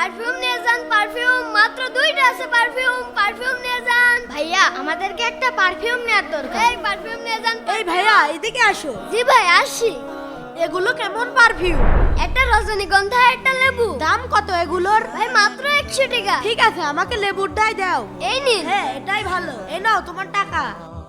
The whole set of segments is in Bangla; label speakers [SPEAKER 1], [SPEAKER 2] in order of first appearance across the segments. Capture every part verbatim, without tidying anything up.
[SPEAKER 1] পারফিউম নিয়ে যান, পারফিউম মাত্র দুইটা আছে, পারফিউম পারফিউম নিয়ে যান। ভাইয়া আমাদেরকে একটা পারফিউম নেওয়ার দরকার। এই পারফিউম নিয়ে যান।
[SPEAKER 2] এই ভাইয়া এদিকে আসো।
[SPEAKER 1] জি ভাই আসছি।
[SPEAKER 2] এগুলো কেমন পারফিউম?
[SPEAKER 1] একটা রজনীগন্ধা, একটা লেবু।
[SPEAKER 2] দাম কত এগুলোর?
[SPEAKER 1] ভাই মাত্র একশো টাকা।
[SPEAKER 2] ঠিক আছে, আমাকে লেবুরটাই দাও।
[SPEAKER 1] এই নিন।
[SPEAKER 2] হ্যাঁ এটাই ভালো, এই নাও তোমার টাকা।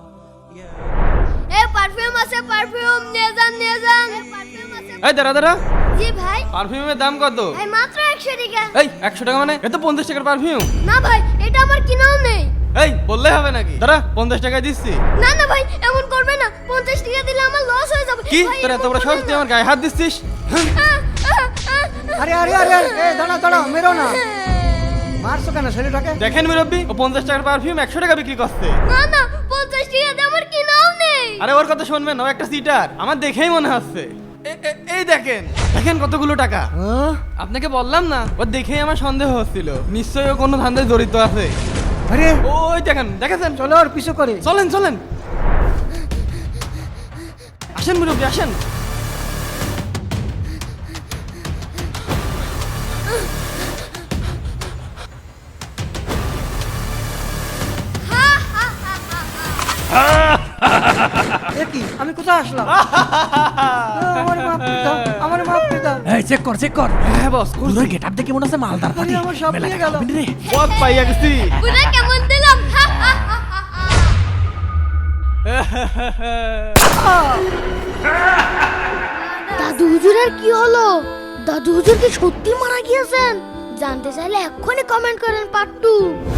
[SPEAKER 1] এই পারফিউম আছে, পারফিউম নিয়ে যান, নিয়ে যান। পারফিউম আছে।
[SPEAKER 3] এই দাঁড়া দাঁড়া,
[SPEAKER 1] জি ভাই।
[SPEAKER 3] পারফিউমের দাম কত?
[SPEAKER 1] ভাই মাত্র একশো টাকা।
[SPEAKER 3] এই একশো টাকা মানে? এ তো পঞ্চাশ টাকার পারফিউম।
[SPEAKER 1] না ভাই, এটা আমার কিনাও নেই।
[SPEAKER 3] এই বললে হবে নাকি? দাঁড়া, পঞ্চাশ টাকায় দিচ্ছি।
[SPEAKER 1] না না ভাই, এমন করবে না। পঞ্চাশ টাকা দিলে আমার লস হয়ে যাবে।
[SPEAKER 3] কি
[SPEAKER 1] ভাই,
[SPEAKER 3] তোরা
[SPEAKER 1] এরকম
[SPEAKER 3] এত বড় সাহস,
[SPEAKER 1] করবেন
[SPEAKER 3] তুই
[SPEAKER 1] না।
[SPEAKER 3] আমার গায়ে হাত দিচ্ছিস?
[SPEAKER 1] আহ, আহ, আহ।
[SPEAKER 4] আরে আরে আরে আরে, এ দাঁড়া দাঁড়া, মেরো না। মারছো কেন ছেলেটাকে?
[SPEAKER 3] দেখেন মুরব্বি, ও পঞ্চাশ টাকার পারফিউম একশো টাকা বিক্রি করছে।
[SPEAKER 1] না না, পঞ্চাশ টাকা দিয়ে আমার কিনাও নেই।
[SPEAKER 3] আরে ওর কথা শুনবেন, ও একটা সিটার, আমার দেখেই মনে হচ্ছে। এ- এ- এই দেখেন দেখেন কতগুলো টাকা।
[SPEAKER 4] হ্যাঁ?
[SPEAKER 3] আপনাকে বললাম না, ও দেখেই আমার সন্দেহ হচ্ছিল, নিশ্চয়ই ও কোনো ধান্দায় জড়িত আছে।
[SPEAKER 4] আরে
[SPEAKER 3] ওই দেখেন, দেখেছেন?
[SPEAKER 4] চলো ওর পিছু করে।
[SPEAKER 3] চলেন চলেন, আসেন মুরব্বি আসেন।
[SPEAKER 4] এ কি, আমি কোথায় আসলাম? আমার মাপ করে দাও, আমার মাপ করে দাও।
[SPEAKER 5] এই চেক কর চেক কর।
[SPEAKER 3] হ্যাঁ বস,
[SPEAKER 5] তোর গেট আপ দেখে মনে হচ্ছে মালদার
[SPEAKER 4] আরে
[SPEAKER 5] পাতি।
[SPEAKER 4] আমার সব
[SPEAKER 5] মেলা
[SPEAKER 4] নিয়ে
[SPEAKER 5] টাকা
[SPEAKER 4] গেল।
[SPEAKER 5] পাবি রে।
[SPEAKER 3] বস পাইয়া গেছি।
[SPEAKER 1] পুরা কেমন দিলাম? দাদু হুজুরের কি হলো? দাদু হুজুর কি সত্যি মারা গিয়েছেন? জানতে চাইলে এক্ষুনি কমেন্ট করেন পার্ট টু।